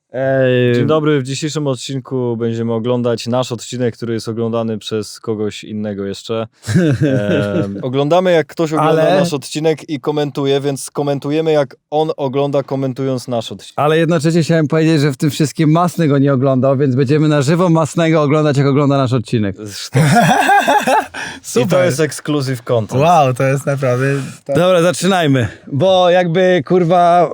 Dzień dobry, w dzisiejszym odcinku będziemy oglądać nasz odcinek, który jest oglądany przez kogoś innego jeszcze. Oglądamy, jak ktoś ogląda nasz odcinek i komentuje, więc komentujemy, jak on ogląda, komentując nasz odcinek. Ale jednocześnie chciałem powiedzieć, że w tym wszystkim Masny go nie oglądał, więc będziemy na żywo Masnego oglądać, jak ogląda nasz odcinek. I to jest exclusive content. Wow, to jest naprawdę... Dobra, zaczynajmy, bo jakby kurwa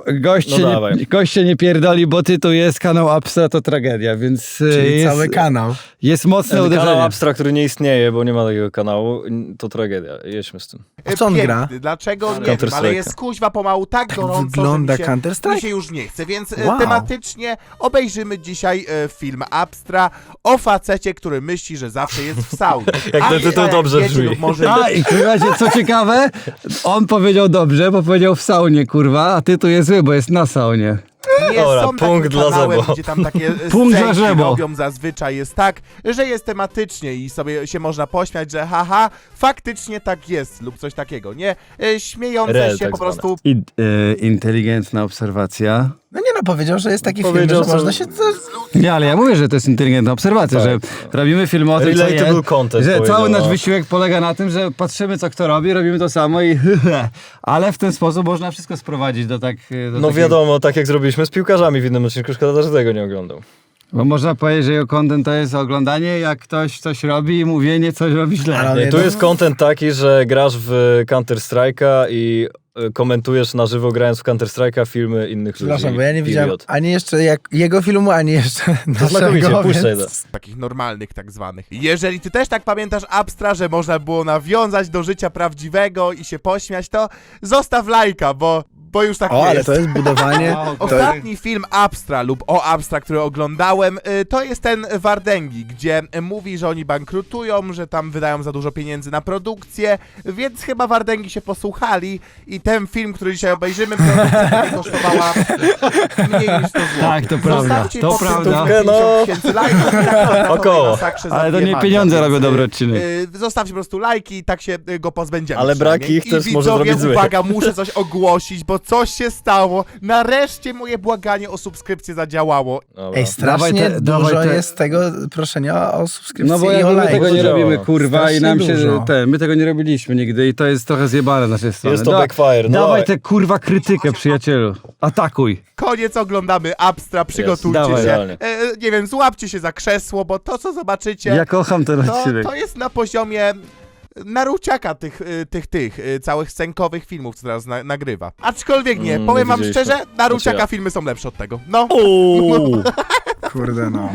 goście nie pierdoli, bo tytuł jest kanał Abstra to tragedia, więc Czyli jest, cały kanał. jest mocne uderzenie. Kanał Abstra, który nie istnieje, bo nie ma takiego kanału, to tragedia. Jedźmy z tym. W co on gra? Dlaczego? Nie wiem, ale jest kuźwa pomału tak gorąco, wygląda że Counter-Strike? mi się już nie chce, więc Wow. tematycznie obejrzymy dzisiaj film Abstra o facecie, który myśli, że zawsze jest w saunie. Jak ten tytuł dobrze wiecie, brzmi. lub może A i kurwa, co ciekawe, on powiedział dobrze, bo powiedział w saunie, kurwa, a tytuł jest zły, bo jest na saunie. nie Dobra, są punkt takim dla kanałem, Zebo. gdzie tam takie Punkt dla scenki Zebo. robią zazwyczaj jest tak, że jest tematycznie i sobie się można pośmiać, że haha, faktycznie tak jest lub coś takiego, nie? Śmiejące Rel, się tak po zwane. prostu. Inteligentna obserwacja. No nie no, powiedział, że jest taki film, Powiedział, że co- można się... Nie, ale ja mówię, że to jest inteligentna obserwacja, że robimy filmy o tym, co Relatable jest, content, że powiedział, cały nasz no. wysiłek polega na tym, że patrzymy, co kto robi, robimy to samo i ale w ten sposób można wszystko sprowadzić do tak... Do No takiej- wiadomo, tak jak zrobiliśmy z piłkarzami w innym odcinku, szkoda, że tego nie oglądał. Bo można powiedzieć, że jego content to jest oglądanie, jak ktoś coś robi i mówienie, coś robi źle. Ale- Nie, tu jest content taki, że grasz w Counter-Strike'a i komentujesz na żywo, grając w Counter-Strike'a, filmy innych ludzi. Przepraszam, bo ja nie widziałem Period. ani jeszcze jak jego filmu, ani jeszcze znakomicie, naszego, puszczaj więc... Takich normalnych tak zwanych. Jeżeli ty też tak pamiętasz Abstra, że można było nawiązać do życia prawdziwego i się pośmiać, to zostaw lajka, bo już tak O, ale jest. to jest budowanie... to... Ostatni film Abstra lub o Abstra, który oglądałem, to jest ten Wardęgi, gdzie mówi, że oni bankrutują, że tam wydają za dużo pieniędzy na produkcję, więc chyba Wardęgi się posłuchali i ten film, który dzisiaj obejrzymy, produkcja kosztowała mniej niż 100 zł. Tak, to prawda, Zostawcie to po prawda. 50 000 lajków i tak Około. Ale to nie pieniądze robią dobry odcinek. Zostawcie po prostu lajki i tak się go pozbędziemy. Ale brak przynajmniej. ich też I może widzowie, zrobić zły. uwaga, muszę coś ogłosić, bo coś się stało. Nareszcie moje błaganie o subskrypcję zadziałało. Dobra. Ej, strasznie Dawaj te- dużo dawaj te- jest tego proszenia o subskrypcji No bo i o my lajku. tego nie robimy, kurwa, i Strasznie nam się... dużo. My tego nie robiliśmy nigdy i to jest trochę zjebane z naszej strony. Jest to backfire, no Dawaj dawaj. tę kurwa krytykę, przyjacielu. Atakuj. Koniec, oglądamy Abstra, przygotujcie Dawaj. się. Idealnie. Nie wiem, złapcie się za krzesło, bo to, co zobaczycie, Ja kocham ten odcinek. to jest na poziomie Naruciaka tych całych scenkowych filmów, co teraz nagrywa. Aczkolwiek nie, powiem wam widzieliśmy. szczerze, Naruciaka Znaczy ja. filmy są lepsze od tego. No, Uuu. Kurde no.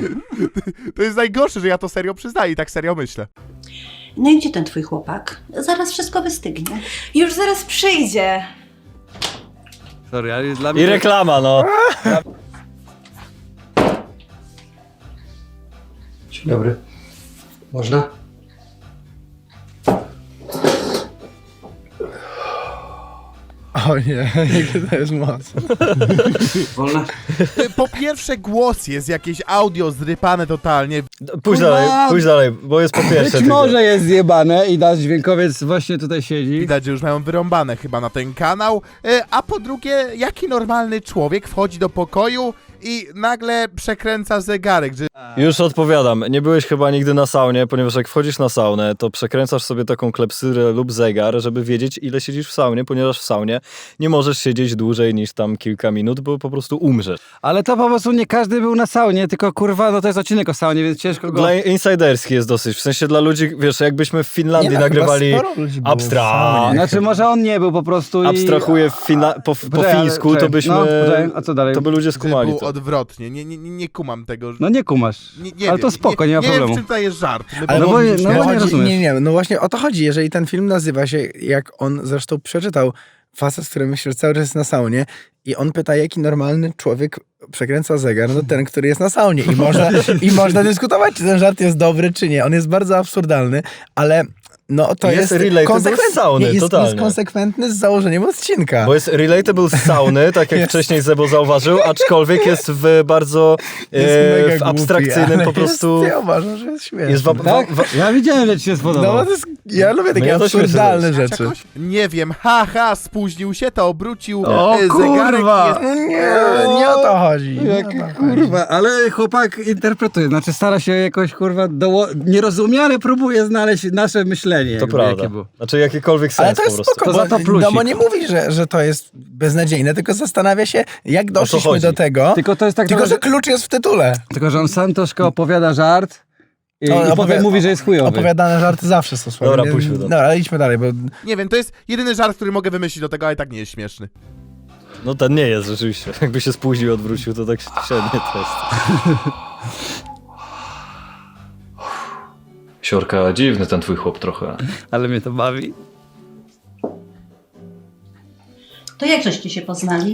to jest najgorsze, że ja to serio przyznaję i tak serio myślę. No i gdzie ten twój chłopak? Zaraz wszystko wystygnie. Już zaraz przyjdzie. Sorry, ale dla I mnie... reklama, no. Dzień dobry. Można? O nie, to jest moc. Wolna? Po pierwsze głos jest jakieś audio zrypane totalnie. Pójdź dalej, bo jest po pierwsze. Być tylko. może jest zjebane i nasz dźwiękowiec właśnie tutaj siedzi. Widać, że już mają wyrąbane chyba na ten kanał. A po drugie, jaki normalny człowiek wchodzi do pokoju i nagle przekręca zegarek, że Już odpowiadam. Nie byłeś chyba nigdy na saunie, ponieważ jak wchodzisz na saunę, to przekręcasz sobie taką klepsyrę lub zegar, żeby wiedzieć, ile siedzisz w saunie, ponieważ w saunie nie możesz siedzieć dłużej niż tam kilka minut, bo po prostu umrzesz. Ale to po prostu nie każdy był na saunie, tylko kurwa, no to jest odcinek o saunie, więc ciężko go... Dla insiderski jest dosyć. W sensie dla ludzi, wiesz, jakbyśmy w Finlandii Nie no, nagrywali chyba sporo ludzi było w Abstra. saunie. Znaczy może on nie był po prostu i... Abstrahuję po Poczekaj, ale- fińsku, to czekaj, byśmy... no, poczekaj, a co dalej? To by ludzie że skumali był to. odwrotnie. Nie kumam tego. No nie kumasz. Nie Ale wiem, to spoko, nie ma Nie problemu. wiem, w czym to jest żart. My Ale No bo- powinniśmy- no bo nie chodzi, rozumiesz. nie, no właśnie o to chodzi. Jeżeli ten film nazywa się, jak on zresztą przeczytał, facet, który myśli, że cały czas jest na saunie i on pyta, jaki normalny człowiek przekręca zegar, no ten, który jest na saunie. I można dyskutować, czy ten żart jest dobry, czy nie. On jest bardzo absurdalny, ale No to Jest jest, relatable z sauny, jest totalnie. konsekwentny z założeniem odcinka. Bo jest relatable z sauny, tak jak wcześniej Zebo zauważył, aczkolwiek jest w bardzo Jest mega w abstrakcyjnym głupi, ale po prostu... Ja uważam, że jest śmieszny. Jest Tak? Ja widziałem, że ci się No spodobał. bo to jest, ja lubię takie ja też absurdalne myślę, rzeczy. Nie wiem, haha, spóźnił się, to obrócił O, zegarek kurwa! i jest... No nie o to chodzi. Nie o to chodzi. Kurwa, ale chłopak interpretuje, znaczy stara się jakoś, kurwa, nie rozumie, ale próbuje znaleźć nasze myślenie. To jakby, prawda. jakie było. Znaczy jakikolwiek Ale sens to po jest prostu. spoko, To za to bo, plusik. no bo nie mówi, że to jest beznadziejne, tylko zastanawia się, jak doszliśmy chodzi? do tego, Tylko to jest tak tylko trochę, że klucz jest w tytule. tylko że on sam troszkę opowiada żart i mówi, że jest chujowy. Opowiadane żarty zawsze są słabe. Dobra, Nie- puśćmy to. Dobra, ale idźmy dalej, bo Nie wiem, to jest jedyny żart, który mogę wymyślić do tego, ale tak nie jest śmieszny. No ten nie jest rzeczywiście. Jakby się spóźnił i odwrócił, to tak średnie to jest. Siorka, dziwny ten twój chłop trochę. Ale mnie to bawi. To jak żeście się poznali?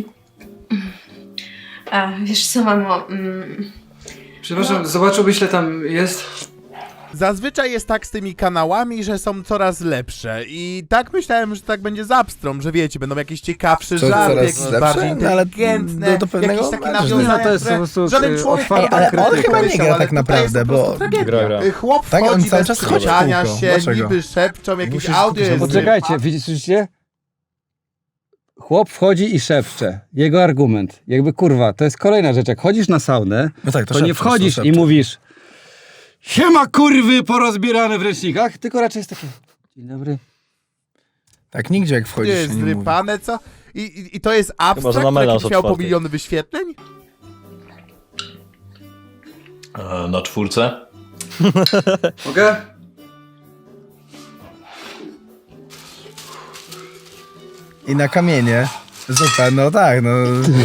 A, wiesz co, mamo, Przepraszam, zobaczyłbyś, ile tam jest? Zazwyczaj jest tak z tymi kanałami, że są coraz lepsze i tak myślałem, że tak będzie z Abstrą, że wiecie, będą jakieś ciekawsze Co, żarty, coraz jakieś lepsze? bardziej No, ale inteligentne, do pewnego jakieś takie momentu. nawiązania, No, to jest które po prostu, żaden człowiek otwarta ale on krytyka. chyba nie myślał, gra ale tak tutaj jest naprawdę, po prostu bo... tragedia. Gra. Chłop Tak, on wchodzi cały bez czas chodzi w przyciania kółko. się, Dlaczego? niby szepczą, jakieś Musisz audio skupić się jest... na Poczekajcie, widzicie? Chłop wchodzi i szepcze. Jego argument. Jakby kurwa, to jest kolejna rzecz. Jak chodzisz na saunę, No tak, to nie wchodzisz i mówisz siema kurwy porozbierane w ręcznikach, tylko raczej jest takie dzień dobry. Tak, nigdzie jak wchodzisz jest się nie mówi. zrypane, co? I to jest Chyba, że abstrakt, na który melanż jakiś miał po otwarty. miliony wyświetleń? Na 4. Mogę? I na kamienie. Zupa, no tak, no...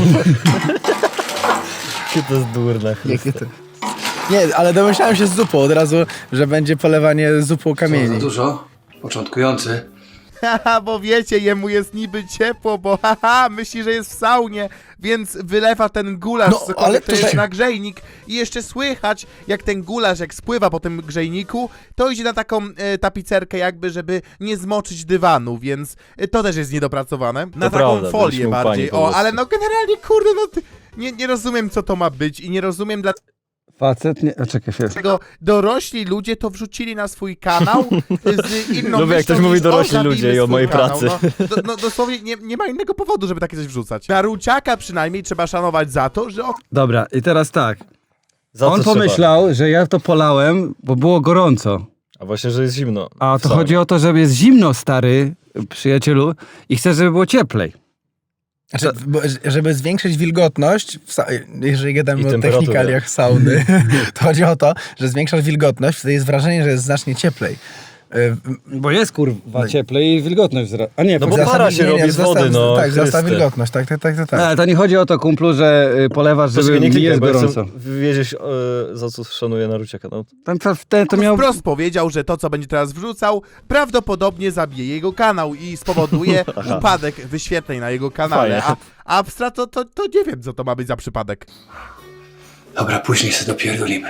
Jakie to jest durne. Jakie to... Nie, ale domyślałem się z zupą od razu, że będzie polewanie zupą Co, za kamieni. dużo? Początkujący. Haha, bo wiecie, jemu jest niby ciepło, bo haha, myśli, że jest w saunie, więc wylewa ten gulasz, No, cokolwiek ale to jest tutaj- na grzejnik i jeszcze słychać, jak ten gulasz, jak spływa po tym grzejniku, to idzie na taką tapicerkę jakby, żeby nie zmoczyć dywanu, więc to też jest niedopracowane. Na taką prawda, folię byliśmy upani bardziej, po o, prostu. ale no generalnie, kurde, no nie rozumiem, co to ma być i nie rozumiem, Facet nie... A czekaj chwilę. dlaczego dorośli ludzie to wrzucili na swój kanał z inną Lubię, jak myślą, ktoś mówi niż, dorośli zabijmy ludzie i o swój mojej kanał. pracy. No dosłownie nie ma innego powodu, żeby takie coś wrzucać. Naruciaka przynajmniej trzeba szanować za to, że Dobra, i teraz tak. Za co On trzeba? pomyślał, że ja to polałem, bo było gorąco. A właśnie, że jest zimno. A to W saunie. chodzi o to, że jest zimno, stary przyjacielu, i chcę, żeby było cieplej. Znaczy, żeby zwiększyć wilgotność, jeżeli I gadamy o temperaturę. technikaliach sauny, to chodzi o to, że zwiększasz wilgotność, wtedy jest wrażenie, że jest znacznie cieplej. Bo jest kurwa cieplej i wilgotność wzrasta. A nie, No bo poczekaj. para się robi z wody, no, Tak, wzrasta Chryste. wilgotność, tak. Ale to nie chodzi o to, kumplu, że polewasz, żeby Poczekaj, nie mi klikaj, jest bo ja gorąco. chcę wiedzieć, za co szanuję Naruciaka. No, To miał... wprost powiedział, że to, co będzie teraz wrzucał, prawdopodobnie zabije jego kanał i spowoduje upadek wyświetleń na jego kanale. Fajnie. A Abstra to nie wiem, co to ma być za przypadek. Dobra, później sobie dopierdolimy.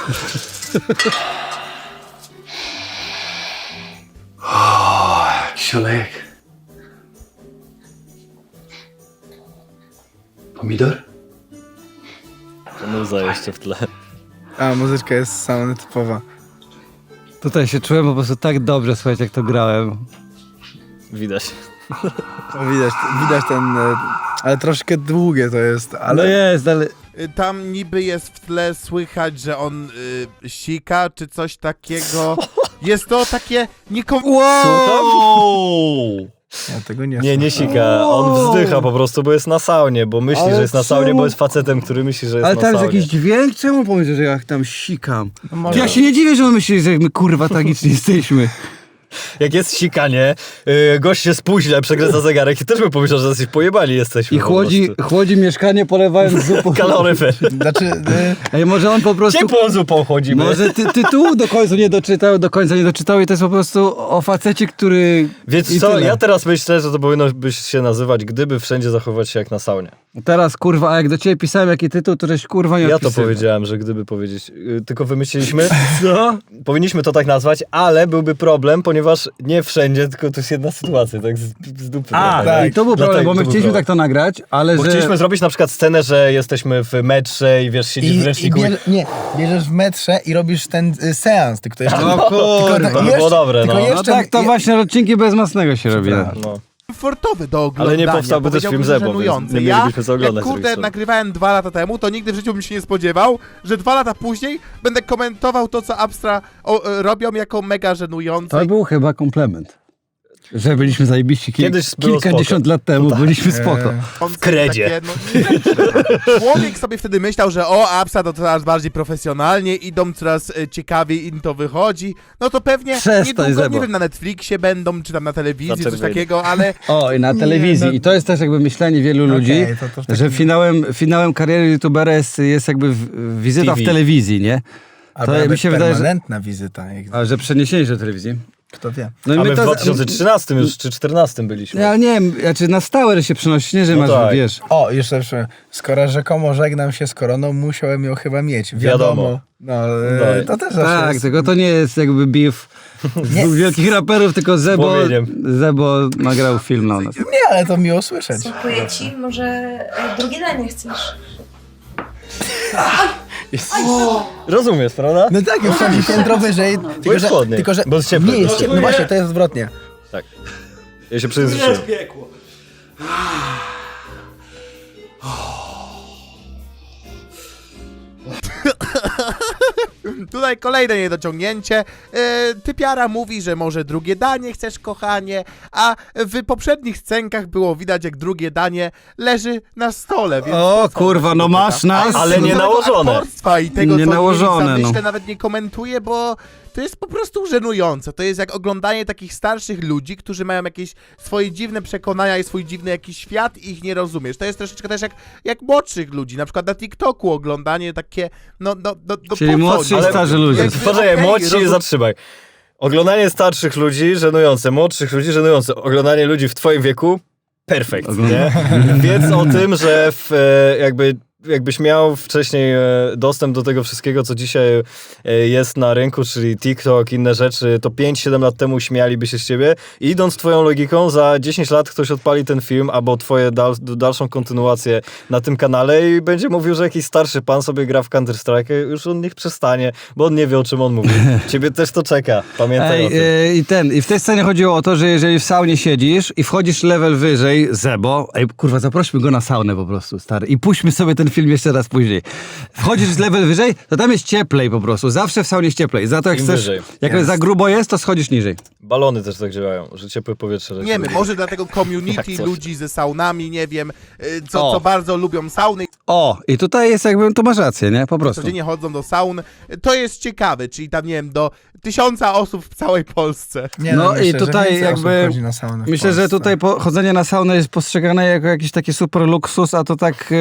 O, jakiś olejek. Pomidor? to muza jeszcze w tle. A, muzyczka jest sauny typowa. Tutaj się czułem po prostu tak dobrze, słuchajcie, jak to grałem. Widać. To widać ten... Ale troszkę długie to jest, Ale ale... no jest, ale... Tam niby jest w tle słychać, że on sika, czy coś takiego. Jest to takie Ja tego nie Nie sika. On wzdycha po prostu, bo jest na saunie, bo myśli, Ale że jest na saunie, czemu? bo jest facetem, który myśli, że jest Ale na tam jest saunie. jakiś dźwięk? Czemu pomyśleć, że ja tam sikam? No może- Ja się nie dziwię, że on myśli, że my kurwa tragiczni jesteśmy. Jak jest sikanie, gość się spóźnia, przekręca zegarek i też by pomyślał, że jesteś pojebani jesteśmy. I chłodzi mieszkanie polewając zupą. Kaloryfer. Znaczy... Ej, może on po prostu... Ciepłą zupą chodzimy. Może tytułu do końca nie doczytał i to jest po prostu o facecie, który... Więc i co, tyle. ja teraz myślę, że to powinno być się nazywać Gdyby wszędzie zachowywać się jak na saunie. Teraz kurwa, a jak do ciebie pisałem jaki tytuł, to żeś kurwa nie Ja to odpisywał. powiedziałem, że gdyby powiedzieć, tylko wymyśliliśmy, Co? powinniśmy to tak nazwać, ale byłby problem, ponieważ ponieważ nie wszędzie, tylko to jest jedna sytuacja, tak z dupy. Tak, i to był problem, bo my chcieliśmy tak to nagrać, ale Bo że... chcieliśmy zrobić na przykład scenę, że jesteśmy w metrze i wiesz, siedzisz w ręczniku bierzesz w metrze i robisz ten seans, tylko jeszcze... O kurwa, to było dobre, tylko no. No tak, to właśnie odcinki bez masnego się robi. No. komfortowy do oglądania. Ale nie powstałby też film Zebo, żenujący. więc nie Ja, mielibyśmy co oglądać. jak kurde nagrywałem 2 lata temu, to nigdy w życiu bym się nie spodziewał, że 2 lata później będę komentował to, co Abstra robią jako mega żenujące. To był chyba komplement. Że byliśmy zajebiści Kiedyś było kilkadziesiąt lat temu, byliśmy spoko. W kredzie. Człowiek sobie wtedy myślał, że Abstra to coraz bardziej profesjonalnie, idą coraz ciekawiej, im to wychodzi. No to pewnie niedługo, nie wiem, na Netflixie będą, czy tam na telewizji, coś takiego, ale... O, i na telewizji. I to jest też jakby myślenie wielu ludzi, że finałem kariery youtubera jest jakby wizyta TV. w telewizji, nie? To mi się wydaje, że... permanentna wizyta. A, że przeniesienie się do telewizji? Kto wie. No i A my w to... 2013 już, czy 2014 byliśmy. Ja nie wiem, znaczy na stałe się przenosi, nie, że No masz, tak. wiesz... O, jeszcze skoro rzekomo żegnam się z koroną, musiałem ją chyba mieć. Wiadomo. No, to też zawsze Tak, jest... tylko to nie jest jakby beef dwóch wielkich raperów, tylko Zebo nagrał film na nas. Nie, ale to miło słyszeć. Smakuję ci, może drugie danie chcesz? Rozumiesz, prawda? No tak, już tam piętro wyżej. jest chłodny, bo jest ciepły. Nie jest ciepły. No właśnie, to jest odwrotnie. Tak. Ja się przyjęzyczyłem. Tutaj kolejne niedociągnięcie. Typiara mówi, że może drugie danie chcesz, kochanie, a w poprzednich scenkach było widać, jak drugie danie leży na stole. Więc O kurwa, no masz nas! Ale nie nałożone. Aktorstwa i tego, Nie co nałożone, myślę, no. nawet nie komentuję, bo to jest po prostu żenujące. To jest jak oglądanie takich starszych ludzi, którzy mają jakieś swoje dziwne przekonania i swój dziwny jakiś świat i ich nie rozumiesz. To jest troszeczkę też jak młodszych ludzi, na przykład na TikToku oglądanie takie, Czyli młodsi i starzy ludzie. Poczekaj, młodsi, zatrzymaj. Oglądanie starszych ludzi żenujące, młodszych ludzi żenujące. Oglądanie ludzi w twoim wieku perfekt, nie? Wiedz o tym, że jakbyś miał wcześniej dostęp do tego wszystkiego, co dzisiaj jest na rynku, czyli TikTok, inne rzeczy, to 5-7 lat temu śmialiby się z ciebie. I idąc twoją logiką, za 10 lat ktoś odpali ten film, albo twoje dalszą kontynuację na tym kanale i będzie mówił, że jakiś starszy pan sobie gra w Counter-Strike, już on niech przestanie, bo on nie wie, o czym on mówi. Ciebie też to czeka, pamiętaj o tym. I w tej scenie chodziło o to, że jeżeli w saunie siedzisz i wchodzisz level wyżej, Zebo, kurwa, zaprośmy go na saunę po prostu, stary, i puśćmy sobie ten film jeszcze raz później. Wchodzisz z level wyżej, to tam jest cieplej po prostu. Zawsze w saunie jest cieplej. Za to jak Im chcesz, wyżej. jak za grubo jest, to schodzisz niżej. Balony też tak działają, że ciepłe powietrze leci. Nie wiem, może dlatego community Jak coś. ludzi ze saunami, nie wiem, co bardzo lubią sauny, O, i tutaj jest jakby, tu masz rację, nie? Po prostu. codziennie chodzą do saun. To jest ciekawe, czyli tam, nie wiem, do 1000 osób w całej Polsce. Nie, No myślę, i że tutaj więcej osób jakby- chodzi na saunę w Myślę, że Polsce. tutaj chodzenie na saunę jest postrzegane jako jakiś taki super luksus, a to tak...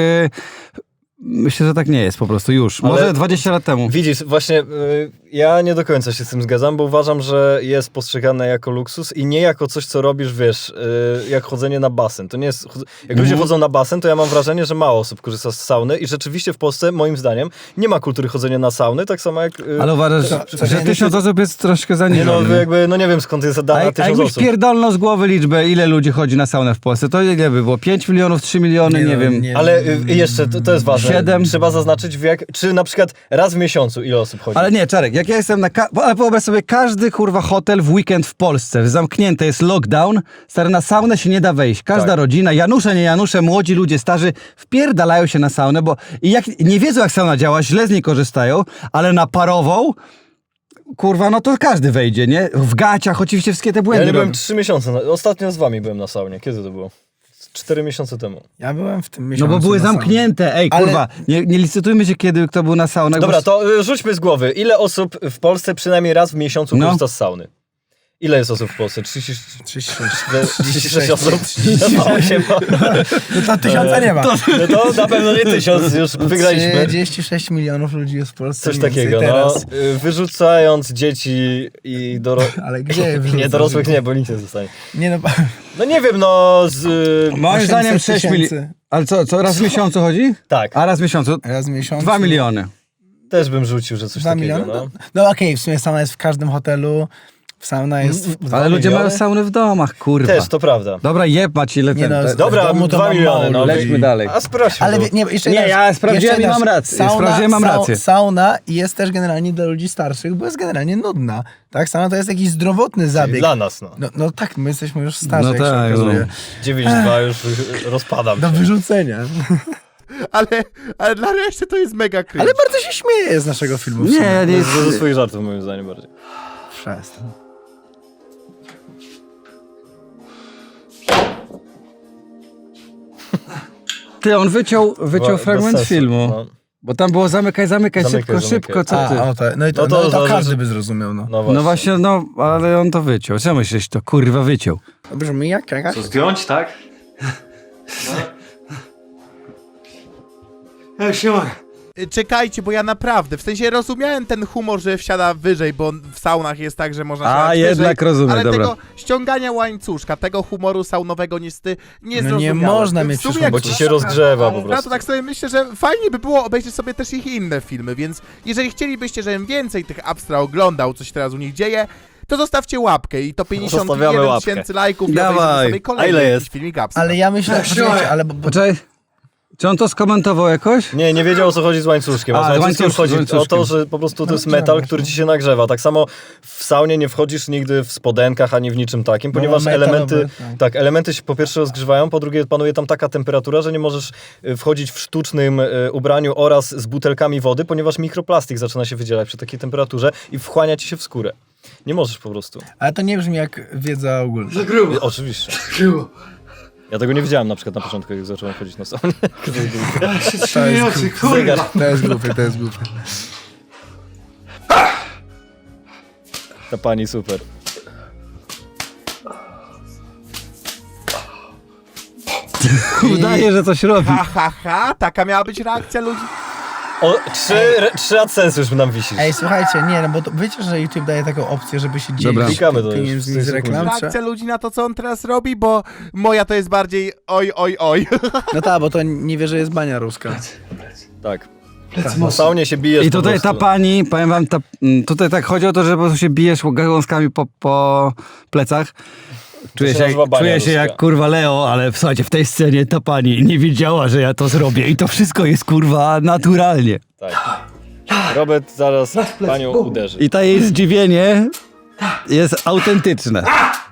Myślę, że tak nie jest po prostu już. Ale- Może 20 lat temu. Widzisz, właśnie ja nie do końca się z tym zgadzam, bo uważam, że jest postrzegane jako luksus i nie jako coś, co robisz, wiesz, jak chodzenie na basen. To nie jest... Jak ludzie chodzą na basen, to ja mam wrażenie, że mało osób korzysta z sauny i rzeczywiście w Polsce, moim zdaniem, nie ma kultury chodzenia na sauny, tak samo jak... Ale uważasz, że 1000 osób jest troszkę za nie, nieco. no jakby, no nie wiem skąd jest dana A 1000 jakbyś osób. pierdolno z głowy liczbę, ile ludzi chodzi na saunę w Polsce, to ile by było? 5 milionów, 3 miliony, nie wiem. Ale jeszcze, to jest ważne, 7. trzeba zaznaczyć, czy na przykład raz w miesiącu ile osób chodzi. Ale nie, Czarek, jak ja jestem ale wyobraź sobie, każdy kurwa hotel w weekend w Polsce, zamknięte jest lockdown, stary, na saunę się nie da wejść. Każda Tak. rodzina, Janusze, nie Janusze, młodzi ludzie, starzy, wpierdalają się na saunę, bo i jak nie wiedzą, jak sauna działa, źle z niej korzystają, ale na parową, kurwa, no to każdy wejdzie, nie? W gaciach oczywiście wszystkie te Ja błędy nie byłem robią. 3 miesiące, ostatnio z wami byłem na saunie, kiedy to było? 4 miesiące temu. Ja byłem w tym No miesiącu bo były na saunie. zamknięte, ej, Ale- kurwa, nie licytujmy się, kiedy kto był na saunach. Dobra, bo... to rzućmy z głowy. Ile osób w Polsce przynajmniej raz w miesiącu No. korzysta z sauny? Ile jest osób w Polsce? 36 osób? 36. No to 1000 nie ma. No to na pewno nie 1000, już wygraliśmy. 36 milionów ludzi jest w Polsce. Coś mniej więcej takiego, no. teraz. Wyrzucając dzieci i dorosłych. Ale gdzie je Nie, wyrzucasz? dorosłych nie, bo nic nie zostanie. Nie no, No nie wiem, no z... Moim 800 zdaniem 6 milionów. tysięcy. Ale co, raz w miesiącu chodzi? Tak, A raz w miesiącu? raz w miesiącu. 2 miliony. też bym rzucił, że coś 2 takiego, miliony? no. No okej, w sumie sama jest w każdym hotelu. Sauna jest... Ale ludzie miliony? mają sauny w domach, kurwa. Też, to prawda. Dobra, jeb Maci, Nie no, w Dobra, domu to 2 mam miliony, mało no ludzi. lećmy dalej. A sprawdźmy. Ale to. nie, jeszcze Nie, raz, ja sprawdziłem jeszcze i mam raz. rację. Sprawdziłem, mam rację. Sauna jest też generalnie dla ludzi starszych, bo jest generalnie nudna. Tak, sauna to jest jakiś zdrowotny zabieg. Dla nas, no. No tak, my jesteśmy już starzy, No jak tak, się okazuje. 9,2 już rozpadam Do się. wyrzucenia. Ale dla reszty to jest mega cringe. Ale bardzo się śmieje z naszego filmu. w Nie, sumie. ja nie Ze swoich żartów moim zdaniem bardziej. Przestań. Ty, on wyciął Bez fragment sensu, filmu. No, Bo tam było zamykaj, Zamykaj, szybko, co ty? No i to, No to to za- każdy by zrozumiał, no. no właśnie. No właśnie, no, ale on to wyciął. Co myślisz, to kurwa wyciął? To brzmi jak jakaś... Zdjąć, tak? Ja już nie mogę. Czekajcie, bo ja naprawdę, w sensie rozumiałem ten humor, że wsiada wyżej, bo w saunach jest tak, że można siadać jednak wyżej, rozumiem, ale dobra. tego ściągania łańcuszka, tego humoru saunowego niestety nie No nie zrozumiałem. można W mieć sumie przecież jak Bo ci się rozgrzewa po Ja to prostu. tak sobie myślę, że fajnie by było obejrzeć sobie też ich inne filmy, więc jeżeli chcielibyście, żebym więcej tych Abstra oglądał, co się teraz u nich dzieje, to zostawcie łapkę i to Zostawiamy 51 łapkę. tysięcy lajków i Dawaj. obejrzymy sobie A kolejny ile jakiś jest? filmik Abstra. Ale ja myślę, poczekajcie, ale... Poczekaj, czy on to skomentował jakoś? Nie wiedział o co chodzi z łańcuszkiem. A z łańcuszkiem chodzi o to, że po prostu to jest metal, który ci się nagrzewa. Tak samo w saunie nie wchodzisz nigdy w spodenkach ani w niczym takim, ponieważ elementy, tak, elementy się po pierwsze rozgrzewają, po drugie panuje tam taka temperatura, że nie możesz wchodzić w sztucznym ubraniu oraz z butelkami wody, ponieważ mikroplastik zaczyna się wydzielać przy takiej temperaturze i wchłania ci się w skórę. Nie możesz po prostu. Ale to nie brzmi jak wiedza ogólna. Za grubo, Oczywiście. grubo. Ja tego nie wiedziałem na przykład na początku, jak zacząłem chodzić na saunę. Ja się trzymuję nocy, kurwa. To jest głupie, to jest głupie. Ta pani super. Udaje, że coś robi. Ha, ha, ha, taka miała być reakcja ludzi. O, 3 AdSense już nam wisisz. Ej, słuchajcie, nie, no bo to, wiecie, że YouTube daje taką opcję, żeby się Dobra. dzielić Klikamy to już, pieniędzmi w tej z reklam. Reakcja ludzi na to, co on teraz robi, bo moja to jest bardziej oj, oj, oj. No tak, bo to nie wie, że jest bania ruska. Tak. Plecy Na mocno. saunie się bijesz I po tutaj ta prostu. pani, powiem wam, tutaj tak chodzi o to, że po prostu się bijesz gałązkami po plecach. Czuję się się, nazywa bania czuję się ruska. jak kurwa Leo, ale słuchajcie, w tej scenie ta pani nie wiedziała, że ja to zrobię i to wszystko jest kurwa naturalnie. Tak. Robert zaraz panią uderzy. I ta jej zdziwienie jest autentyczne.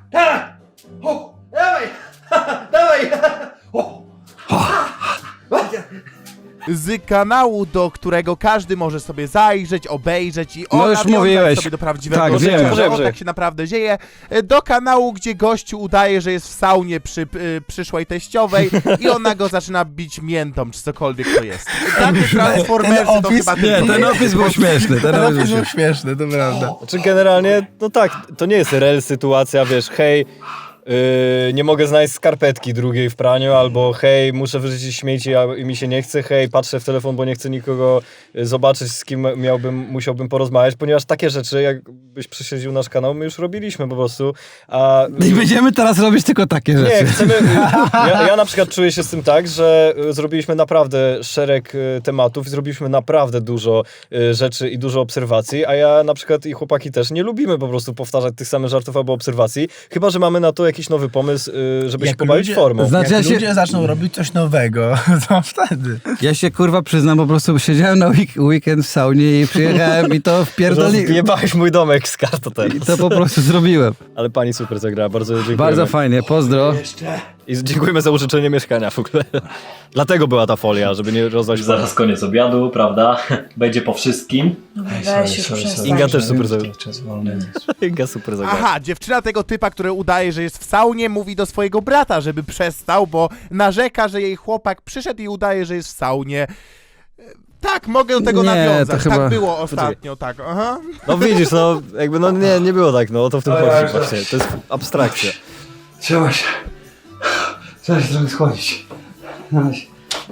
Z kanału, do którego każdy może sobie zajrzeć, obejrzeć i No już nawiązać mówiłeś. sobie do prawdziwego Tak, życia, wiem. że Dobrze. tak się naprawdę dzieje. Do kanału, gdzie gościu udaje, że jest w saunie przy przyszłej teściowej i ona go zaczyna bić miętą, czy cokolwiek to jest. Takie Transformersy to opis- chyba Nie, tylko ten opis był śmieszny. Ten To opis był jest śmieszny. śmieszne, to prawda. Znaczy generalnie, no tak, to nie jest rel sytuacja, wiesz, hej, nie mogę znaleźć skarpetki drugiej w praniu, albo hej, muszę wyrzucić śmieci, a mi się nie chce, hej, patrzę w telefon, bo nie chcę nikogo zobaczyć, z kim musiałbym porozmawiać, ponieważ takie rzeczy, jakbyś przesiedził nasz kanał, my już robiliśmy po prostu, a... I będziemy teraz robić tylko takie Nie, rzeczy. chcemy. Ja na przykład czuję się z tym tak, że zrobiliśmy naprawdę szereg tematów i zrobiliśmy naprawdę dużo rzeczy i dużo obserwacji, a ja na przykład i chłopaki też nie lubimy po prostu powtarzać tych samych żartów albo obserwacji, chyba że mamy na to jakiś nowy pomysł, żeby się Jak pobawić ludzie- formą. Znaczy, Jak ja się- ludzie zaczną robić coś nowego, to wtedy. Ja się kurwa przyznam, po prostu siedziałem na weekend w saunie i przyjechałem i to wpierdoli... Rozjebałeś mój domek z kartą I teraz. to po prostu zrobiłem. Ale pani super zagrała, bardzo dziękujemy. Bardzo fajnie, pozdro. Jeszcze. I dziękujemy za użyczenie mieszkania w ogóle. Dlatego była ta folia, żeby nie rozlać Zaraz koniec obiadu, prawda? Będzie po wszystkim. Weź już przestań. Inga też super zagrała. Czas wolny. Inga super zagrała. Aha, dziewczyna tego typa, który udaje, że jest w saunie, mówi do swojego brata, żeby przestał, bo narzeka, że jej chłopak przyszedł i udaje, że jest w saunie. Tak, mogę do tego Nie, nawiązać. to chyba- Tak było ostatnio, tak. Aha. No widzisz, no jakby no nie było tak, no o to w tym Oj, oj, chodzi oj. właśnie. To jest abstrakcja. Trzeba się. Trzeba się trochę schłodzić. Dawaj się.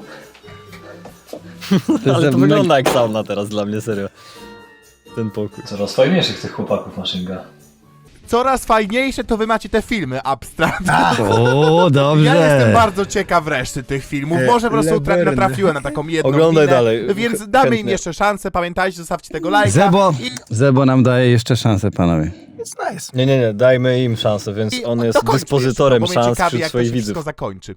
Ale to wygląda jak sauna teraz dla mnie, serio. Ten pokój. Coraz fajniejszych tych chłopaków maszynga. coraz fajniejsze to wy macie te filmy abstrakt. O, dobrze. Ja jestem bardzo ciekaw reszty tych filmów. Może po prostu Laverne. natrafiłem na taką jedną Oglądaj minę, dalej. więc damy im Chętnie. jeszcze szansę. Pamiętajcie, zostawcie tego lajka. Zebo nam daje jeszcze szansę, panowie. It's nice. Nie, dajmy im szansę, więc I on jest dokończmy dyspozytorem jeszcze, bo mnie szans ciekawi, wśród jak to swoich się widzów. wszystko zakończy.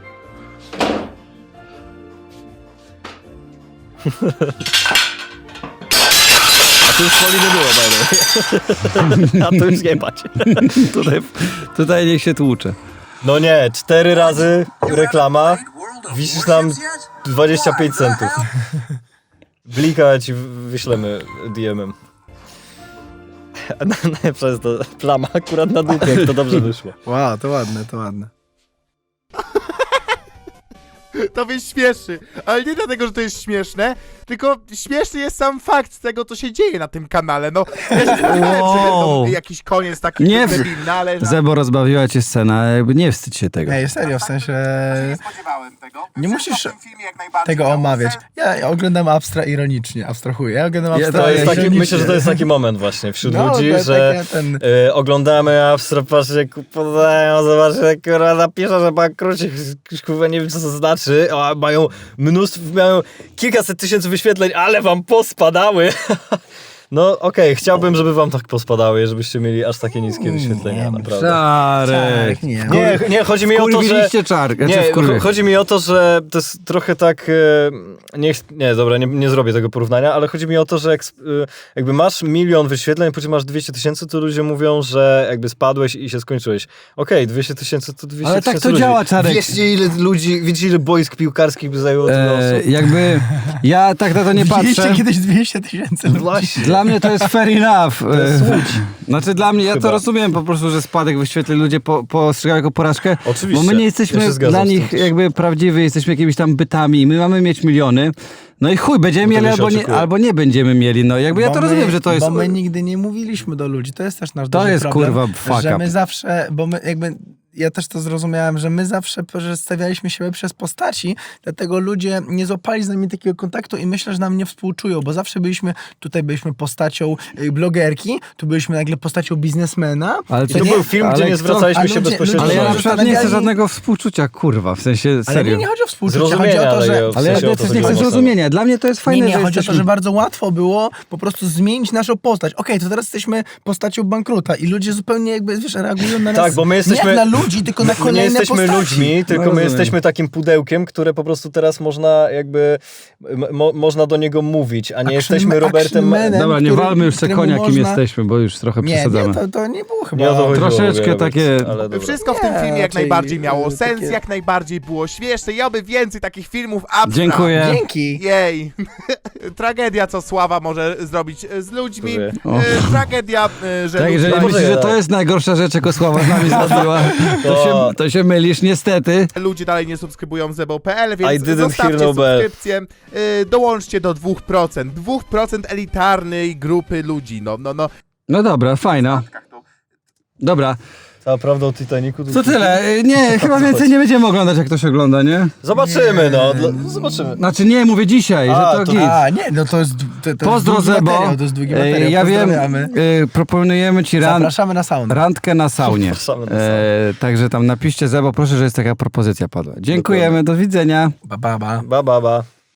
A tu już Poli nie było, by the way. A tu już nie bać. Tutaj niech się tłucze. No nie, 4 razy reklama, wisisz nam 25 centów. Blika ci wyślemy DM-em. Najlepsza jest to plama akurat na dupie, jak to dobrze wyszło. Wow, to ładne, to ładne. To mnie śmieszy, ale nie dlatego, że to jest śmieszne, tylko śmieszny jest sam fakt tego, co się dzieje na tym kanale. No, ja się spodziewałem, że będą jakiś koniec taki Nie, debilny, ale... Zebo, rozbawiła cię scena, jakby nie wstydź się tego. Ej, serio, w sensie... spodziewałem tego. Nie musisz tego omawiać. Ja oglądam Abstra ironicznie, abstrahuję. Ja oglądam Abstra To jest taki, ironicznie. myślę, że to jest taki moment właśnie wśród No, ludzi, to jest że takie ten- oglądamy Abstra, patrzcie, jak podają, zobaczcie, kurwa, napisze, że bankruci, kurwa, nie wiem, co to znaczy, a mają mają kilkaset tysięcy wyświetleń, ale wam pospadały. No okej, chciałbym, żeby wam tak pospadały, żebyście mieli aż takie niskie wyświetlenia, naprawdę. Czarek. Nie. Nie, chodzi mi o to, że... Kurwiliście czarek. Nie, chodzi mi o to, że to jest trochę tak... dobra, nie zrobię tego porównania, ale chodzi mi o to, że jakby masz 1 milion wyświetleń, później masz 200 tysięcy, to ludzie mówią, że jakby spadłeś i się skończyłeś. Okej, 200 tysięcy to 200 Ale tysięcy tak to ludzi. działa, Czarek. Wiecie ile boisk piłkarskich by zajęło tyle osób? Jakby ja tak na to nie Widzieliście patrzę. kiedyś 200 tysięcy ludzi? Właśnie. Dla mnie to jest fair enough. jest Łódź. Znaczy dla mnie, ja to Chyba. rozumiem po prostu, że spadek wyświetleń ludzie postrzegają jako porażkę. Oczywiście. Bo my nie Ja jesteśmy się zgadzam dla z tym nich też. jakby prawdziwi, jesteśmy jakimiś tam bytami. My mamy mieć miliony. No i chuj, będziemy No to mieli się oczekuje. albo nie będziemy mieli. No jakby ja to rozumiem, że to jest... Bo my nigdy nie mówiliśmy do ludzi, to jest też nasz To duży jest, problem, kurwa, fuck że up. my zawsze, bo my jakby... Ja też to zrozumiałem, że my zawsze przedstawialiśmy siebie przez postaci, dlatego ludzie nie złapali z nami takiego kontaktu i myślę, że nam nie współczują, bo zawsze tutaj byliśmy postacią blogerki, tu byliśmy nagle postacią biznesmena. Ale I to był film, gdzie nie zwracaliśmy się bezpośrednio. Ale ja na ludzie przykład nie chcę zastanawiali- żadnego współczucia, kurwa, w sensie Ale serio. nie chodzi o współczucie, chodzi Zrozumienia, o to, że... ale w Ale ja sensie o to też nie chodziło chcę mocno. zrozumienia. Dla mnie to jest fajne, Nie, że chodzi o to, jesteśmy... że bardzo łatwo było po prostu zmienić naszą postać. Okej, to teraz jesteśmy postacią bankruta i ludzie zupełnie jakby, wiesz, reagują na nas Tak, bo my jesteśmy... nie jak na ludzi, tylko na My nie kolejne jesteśmy postaci. ludźmi, tylko my rozumiem. jesteśmy takim pudełkiem, które po prostu teraz można jakby... można do niego mówić, a nie jesteśmy Robertem... Actionmanem, Dobra, nie walmy już se któremu konia, kim można- jesteśmy, bo już trochę przesadzamy. Nie, to nie było chyba. Nie o to chodziło, Troszeczkę mówię, takie- ale dobra. Wszystko w tym Nie, filmie jak raczej, najbardziej miało sens, takie- jak najbardziej było śmieszne. Ja by więcej takich filmów abstrakt. Dziękuję. Dzięki. Jej. Tragedia, co Sława może zrobić z ludźmi. O. Tragedia, że Tak, ludzie... jeżeli Może myślisz, że to tak. jest najgorsza rzecz, jaką Sława z nami zrobiła, to się mylisz, niestety. Ludzie dalej nie subskrybują zebo.pl, więc I didn't hear zostawcie no bell. subskrypcję. Dołączcie do 2%. 2% elitarnej grupy ludzi. No. No dobra, fajna. Dobra, A prawda o Titanicu? to tyle. Nie, chyba więcej nie będziemy oglądać, jak ktoś ogląda, nie? Zobaczymy, zobaczymy. Znaczy nie, mówię dzisiaj, A, że to to- git. A, nie, no to jest Pozdro długi Zebo. materiał, to jest długi materiał. Ja wiem, Pozdrawiamy. proponujemy ci Zapraszamy na saunę. randkę na saunie. Zapraszamy na saunę. Także tam napiszcie Zebo, proszę, że jest taka propozycja padła. Dziękujemy, do widzenia. Ba, ba, ba. Ba.